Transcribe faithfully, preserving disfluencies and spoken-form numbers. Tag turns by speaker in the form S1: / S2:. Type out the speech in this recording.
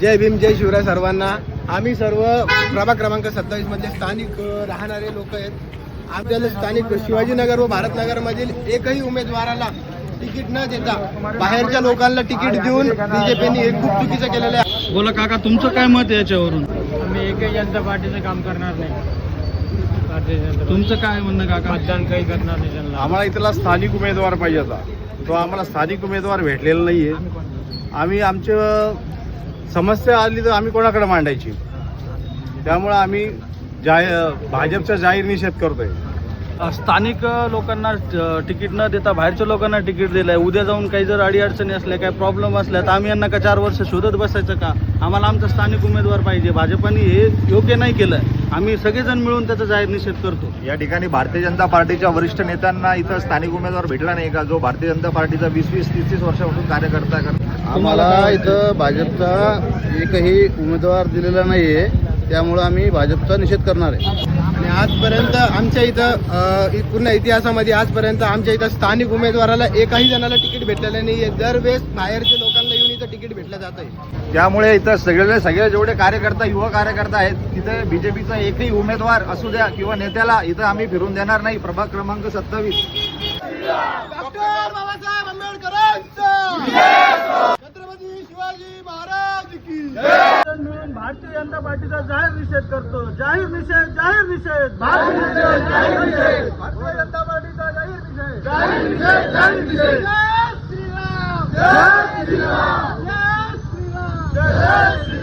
S1: जय भीम जय शिवराय सर्वांना। आम्ही सर्व प्रभाग क्रमांक सत्तावीस मधले स्थानिक राहणारे लोक आहेत। आपल्याला स्थानिक शिवाजीनगर व भारतनगर मधील एकही उमेदवाराला तिकीट न देता बाहेरच्या लोकांना तिकीट देऊन बीजेपीने हे खूप चुकीचं केलेलं आहे।
S2: बोला काका, तुमचं काय मत आहे याच्यावरून?
S3: आम्ही एकही जनता पार्टीचं काम करणार नाही। भारतीय जनता
S2: तुमचं काय म्हणणं काका?
S3: मतदान काही करणार नाही त्यांना।
S4: आम्हाला इथला स्थानिक उमेदवार पाहिजे होता, तो आम्हाला स्थानिक उमेदवार भेटलेला नाही आहे। आम्ही आमच्या समस्या आली तर आम्ही कोणाकडे मांडायची, त्यामुळे आम्ही जाहीर भाजपचा जाहीर निषेध करतोय।
S2: स्थानिक लोकांना तिकीट न देता बाहेरच्या लोकांना तिकीट दिलंय। उद्या जाऊन काही जर अडीअडचणी असल्या, काही प्रॉब्लेम असल्या तर आम्ही यांना का चार वर्ष शोधत बसायचं का? आम्हाला आमचा स्थानिक उमेदवार पाहिजे। भाजपाने हे योग्य नाही केलं। आम्ही सगळेजण मिळून त्याचा जाहीर निषेध करतो।
S4: या ठिकाणी भारतीय जनता पार्टीच्या वरिष्ठ नेत्यांना इथं स्थानिक उमेदवार भेटला नाही का, जो भारतीय जनता पार्टीचा वीस वीस तीस तीस वर्षापासून कार्यकर्ता करतो?
S1: आम्हाला इथं भाजपचा एकही उमेदवार दिलेला नाही आहे, त्यामुळं आम्ही भाजपचा निषेध करणार आहे। आणि आजपर्यंत आमच्या इथं अ, पूर्ण इतिहासामध्ये आजपर्यंत आमच्या इथं स्थानिक उमेदवाराला एकही जणाला तिकीट भेटलेलं नाही आहे। दरवेळेस बाहेरच्या लोकांना येऊन इथं तिकीट भेटलं जात आहे।
S4: त्यामुळे इथं सगळे सगळे जेवढे कार्यकर्ता युवा कार्यकर्ता आहेत, तिथे बीजेपीचा एकही उमेदवार असू द्या किंवा नेत्याला इथं आम्ही फिरून देणार नाही। प्रभाग क्रमांक सत्तावीस
S1: डॉक्टर बाबासाहेब आंबेडकरांचा छत्रपती शिवाजी महाराज की
S2: मिळून भारतीय जनता पार्टीचा जाहीर निषेध करतो। जाहीर निषेध, जाहीर निषेध, भारतीय जनता पार्टीचा जाहीर निषेध, जाहीर निषेध, जाहीर निषेध।
S1: जय श्रीराम, जय श्रीराम, जय श्रीराम, जय